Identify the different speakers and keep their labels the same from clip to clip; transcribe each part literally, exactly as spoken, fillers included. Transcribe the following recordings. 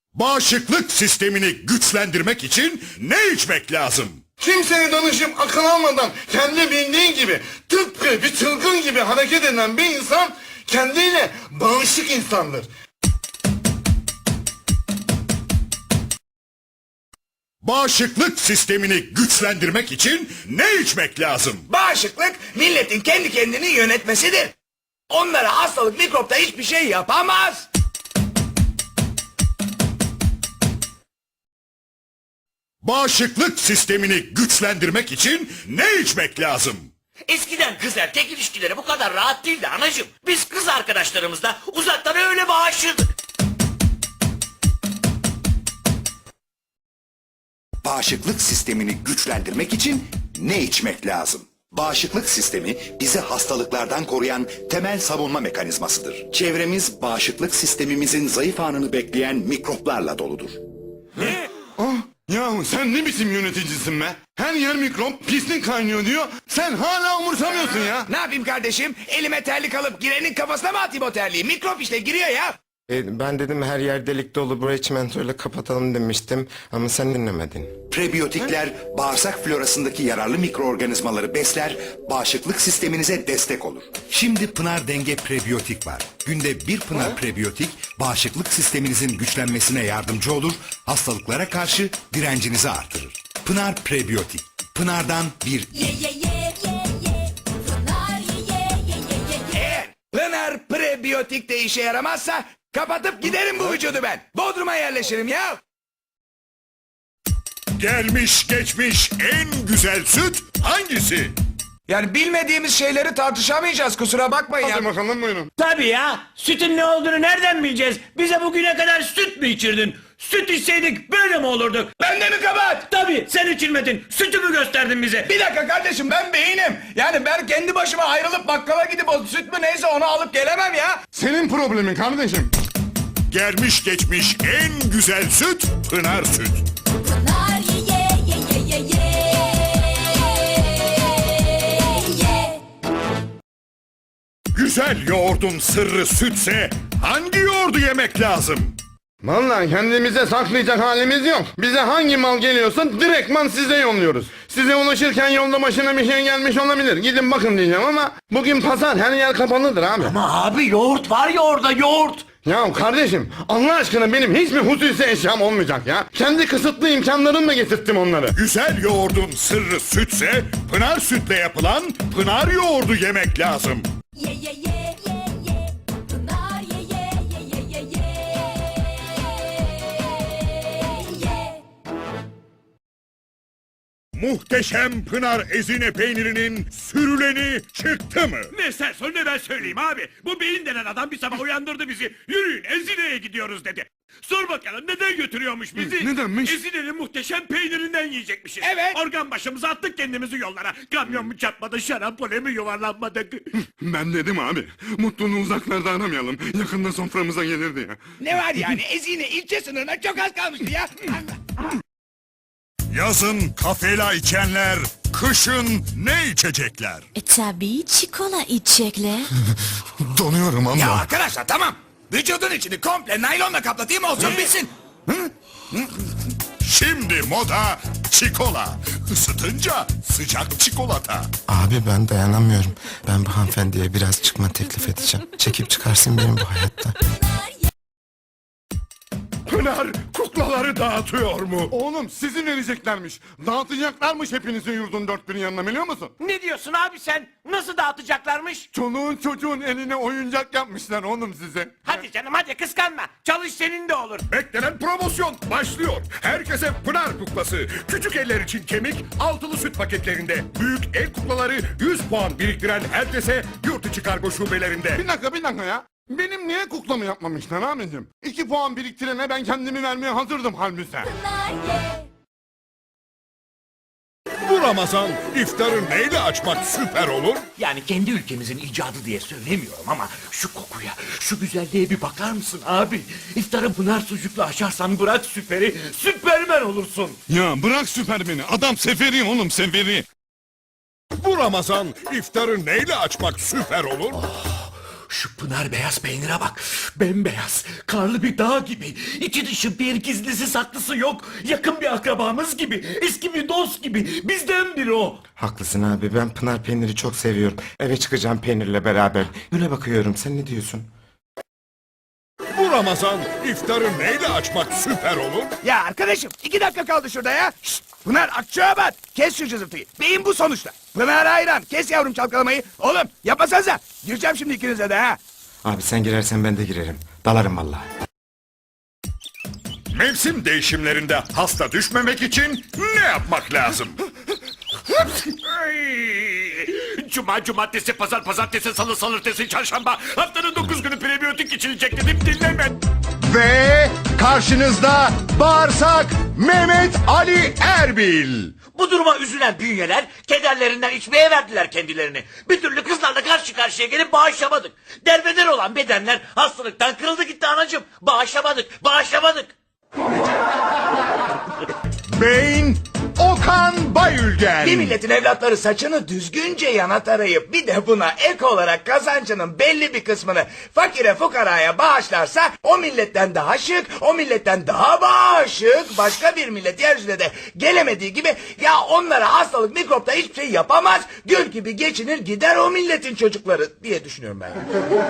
Speaker 1: Bağışıklık sistemini güçlendirmek için ne içmek lazım?
Speaker 2: Kimseye danışıp akıl almadan kendi bildiği gibi tıpkı bir çılgın gibi hareket eden bir insan kendiyle bağışık insandır.
Speaker 1: Bağışıklık sistemini güçlendirmek için ne içmek lazım?
Speaker 3: Bağışıklık milletin kendi kendini yönetmesidir. Onlara hastalık mikropta hiçbir şey yapamaz.
Speaker 1: Bağışıklık sistemini güçlendirmek için ne içmek lazım?
Speaker 4: Eskiden kız erkek ilişkileri bu kadar rahat değildi anacığım. Biz kız arkadaşlarımızla uzaktan öyle bağışırdık.
Speaker 5: Bağışıklık sistemini güçlendirmek için ne içmek lazım? Bağışıklık sistemi bizi hastalıklardan koruyan temel savunma mekanizmasıdır. Çevremiz bağışıklık sistemimizin zayıf anını bekleyen mikroplarla doludur.
Speaker 2: Ah, yahu sen ne biçim yöneticisin be? Her yer mikrop, pislik kaynıyor diyor. Sen hala umursamıyorsun ya.
Speaker 3: Ne yapayım kardeşim? Elime terlik alıp girenin kafasına mı atayım o terliği? Mikrop işte giriyor ya.
Speaker 6: E, ben dedim her yer delik dolu, burayı çimentoyla kapatalım demiştim ama sen dinlemedin.
Speaker 5: Prebiyotikler bağırsak florasındaki yararlı mikroorganizmaları besler, bağışıklık sisteminize destek olur. Şimdi Pınar Denge Prebiyotik var. Günde bir Pınar Prebiyotik bağışıklık sisteminizin güçlenmesine yardımcı olur, hastalıklara karşı direncinizi artırır. Pınar Prebiyotik. Pınar'dan bir
Speaker 7: Ye ye ye ye ye. Pınar ye ye ye ye ye.
Speaker 3: Eğer Pınar prebiyotik de işe yaramazsa kapatıp giderim bu vücudu ben. Bodrum'a yerleşirim ya.
Speaker 1: Gelmiş geçmiş en güzel süt hangisi?
Speaker 3: Yani bilmediğimiz şeyleri tartışamayacağız, kusura bakmayın ya.
Speaker 2: Hadi bakalım buyurun.
Speaker 4: Tabii ya. Sütün ne olduğunu nereden bileceğiz? Bize bugüne kadar süt mü içirdin? Süt içseydik böyle mi olurduk?
Speaker 3: Ben de mi kabahat?
Speaker 4: Tabii sen içirmedin. Sütü mü gösterdin bize?
Speaker 3: Bir dakika kardeşim, ben beynim. Yani ben kendi başıma ayrılıp bakkala gidip o süt mü neyse onu alıp gelemem ya.
Speaker 2: Senin problemin kardeşim.
Speaker 1: Gelmiş geçmiş en güzel süt Pınar Süt.
Speaker 7: Pınar ye ye ye ye ye ye. Ye.
Speaker 1: Güzel yoğurdun sırrı sütse hangi yoğurdu yemek lazım?
Speaker 2: Vallahi kendimize saklayacak halimiz yok. Bize hangi mal geliyorsa direktman size yolluyoruz. Size ulaşırken yolda başına bir şey gelmiş olabilir. Gidin bakın diyeceğim ama bugün pazar, her yer kapalıdır abi.
Speaker 4: Ama abi yoğurt var ya orada yoğurt.
Speaker 2: Ya kardeşim Allah aşkına benim hiçbir hususi eşyam olmayacak ya. Kendi kısıtlı imkanlarımla getirttim onları.
Speaker 1: Güzel yoğurdun sırrı sütse Pınar Sütle yapılan Pınar yoğurdu yemek lazım.
Speaker 7: Ye ye ye ye ye. Pınar ye ye ye ye ye ye. Ye.
Speaker 1: Muhteşem Pınar ezine peynirinin sürüleni çıktı mı?
Speaker 8: Ne sen söyle ne ben söyleyeyim abi. Bu beyin denen adam bir sabah uyandırdı bizi. Yürüyün Ezine'ye gidiyoruz dedi. Sor bakalım neden götürüyormuş bizi?
Speaker 2: nedenmiş?
Speaker 8: Ezine'nin muhteşem peynirinden yiyecekmişiz.
Speaker 3: Evet.
Speaker 8: Organ başımıza attık kendimizi yollara. Kamyon mu çarpmadı, şarampole mi yuvarlanmadık?
Speaker 2: Ben dedim abi mutluluğu uzaklarda aramayalım. Yakında soframıza gelirdi ya.
Speaker 3: Ne var yani, Ezine ilçe sınırına çok az kalmıştı ya.
Speaker 1: Yazın kafela içenler, kışın ne içecekler?
Speaker 7: E tabii çikolata içecekler.
Speaker 2: Donuyorum ama.
Speaker 3: Ya arkadaşlar tamam. Vücudun içini komple naylonla kaplatayım olsun bitsin.
Speaker 1: Şimdi moda çikola. Isıtınca sıcak çikolata.
Speaker 6: Abi ben dayanamıyorum. Ben bu hanımefendiye biraz çıkma teklif edeceğim. Çekip çıkarsın benim bu hayatta.
Speaker 1: Pınar kuklaları dağıtıyor mu?
Speaker 2: Oğlum sizin vereceklermiş. Dağıtacaklarmış hepinizin yurdun dört bir yanına biliyor musun?
Speaker 4: Ne diyorsun abi sen? Nasıl dağıtacaklarmış?
Speaker 2: Çoluğun çocuğun eline oyuncak yapmışlar oğlum size.
Speaker 4: Hadi canım hadi kıskanma. Çalış senin de olur.
Speaker 1: Beklenen promosyon başlıyor. Herkese Pınar kuklası. Küçük eller için kemik, altılı süt paketlerinde. Büyük el kuklaları yüz puan biriktiren herkese yurt içi kargo şubelerinde.
Speaker 2: Bir dakika bir dakika ya. Benim niye kuklamı yapmamışlar abicim? İki puan biriktirene ben kendimi vermeye hazırdım halbuki.
Speaker 7: Pınar ye.
Speaker 1: Bu Ramazan iftarı neyle açmak süper olur?
Speaker 4: Yani kendi ülkemizin icadı diye söylemiyorum ama şu kokuya, şu güzelliğe bir bakar mısın abi? İftarı Pınar sucukla açarsan bırak süperi, süpermen olursun.
Speaker 2: Ya bırak süpermeni. Adam seferi oğlum seferi.
Speaker 1: Bu Ramazan iftarı neyle açmak süper olur?
Speaker 4: Şu Pınar beyaz peynire bak. Bembeyaz. Karlı bir dağ gibi. İçi dışı bir gizlisi saklısı yok. Yakın bir akrabamız gibi. Eski bir dost gibi. Bizden biri o.
Speaker 6: Haklısın abi, ben Pınar peyniri çok seviyorum. Eve çıkacağım peynirle beraber. Güne bakıyorum, sen ne diyorsun?
Speaker 1: Bu Ramazan iftarı neyle açmak süper olur?
Speaker 3: Ya arkadaşım iki dakika kaldı şurada ya. Şşt, Pınar Akçaabat kes şu cızırtıyı. Beyin bu sonuçta. Pınar hayran kes yavrum çalkalamayı. Oğlum yapmasanıza. Gireceğim şimdi ikinize de ha.
Speaker 6: Abi sen girersen ben de girerim. Dalarım vallahi.
Speaker 1: Mevsim değişimlerinde hasta düşmemek için ne yapmak lazım?
Speaker 8: Ay! Cuma, cumartesi, pazar, pazartesi, salı, salırtesi, çarşamba. Haftanın dokuz günü prebiyotik içilecek dedim dinleme.
Speaker 1: Ve karşınızda bağırsak Mehmet Ali Erbil.
Speaker 4: Bu duruma üzülen bünyeler kederlerinden içmeye verdiler kendilerini. Bir türlü kızlarla karşı karşıya gelip bağışlamadık. Derbeder olan bedenler hastalıktan kırıldı gitti anacığım. Bağışlamadık, bağışlamadık.
Speaker 1: Beyin Okan Bayülgen.
Speaker 3: Bir milletin evlatları saçını düzgünce yana tarayıp bir de buna ek olarak kazancının belli bir kısmını fakire fukaraya bağışlarsa o milletten daha şık, o milletten daha bağışık başka bir millet yeryüzüne de gelemediği gibi ya onlara hastalık mikropta hiçbir şey yapamaz gül gibi geçinir gider o milletin çocukları diye düşünüyorum ben.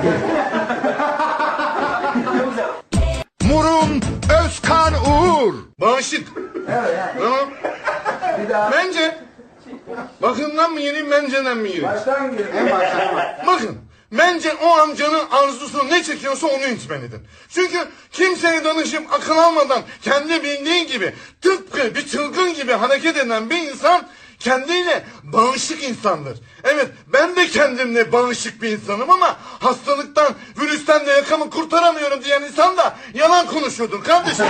Speaker 1: Murun Özkan Uğur.
Speaker 2: Bağışık. Tamam. Bence. Bakımdan mı gireyim, benceden mi gireyim? Baştan gireyim. En baştan. Bakın. Bence o amcanın arzusu ne çekiyorsa onu içmelidir. Çünkü kimseye danışıp akıl almadan kendi bildiği gibi tıpkı bir çılgın gibi hareket eden bir insan kendiyle bağışık insandır. Evet, ben de kendimle bağışık bir insanım ama hastalıktan, virüsten de yakamı kurtaramıyorum diyen insan da yalan konuşuyordur kardeşim.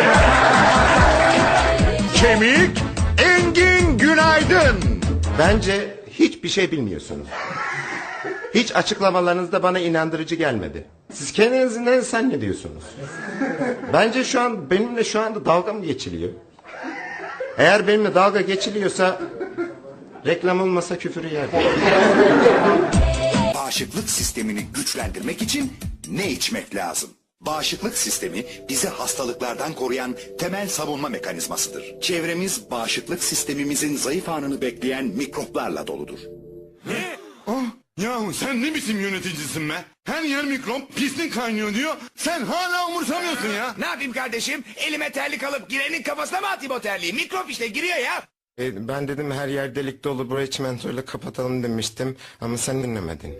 Speaker 1: Kemik Engin Günaydın.
Speaker 6: Bence hiçbir şey bilmiyorsunuz. Hiç açıklamalarınız da bana inandırıcı gelmedi. Siz kendinizi ne zannediyorsunuz? Bence şu an benimle şu anda dalga mı geçiliyor? Eğer benimle dalga geçiliyorsa reklam olmasa küfür yerdim.
Speaker 5: Bağışıklık sistemini güçlendirmek için ne içmek lazım? Bağışıklık sistemi bizi hastalıklardan koruyan temel savunma mekanizmasıdır. Çevremiz bağışıklık sistemimizin zayıf anını bekleyen mikroplarla doludur.
Speaker 2: Ah, yahu sen ne biçim yöneticisin be? Her yer mikrop, pislik kaynıyor diyor. Sen hala umursamıyorsun ya.
Speaker 3: Ne yapayım kardeşim elime terlik alıp girenin kafasına mı atayım o terliği mikrop işte giriyor ya.
Speaker 6: E, ben dedim her yer delik dolu, burayı çimentoyla kapatalım demiştim ama sen dinlemedin.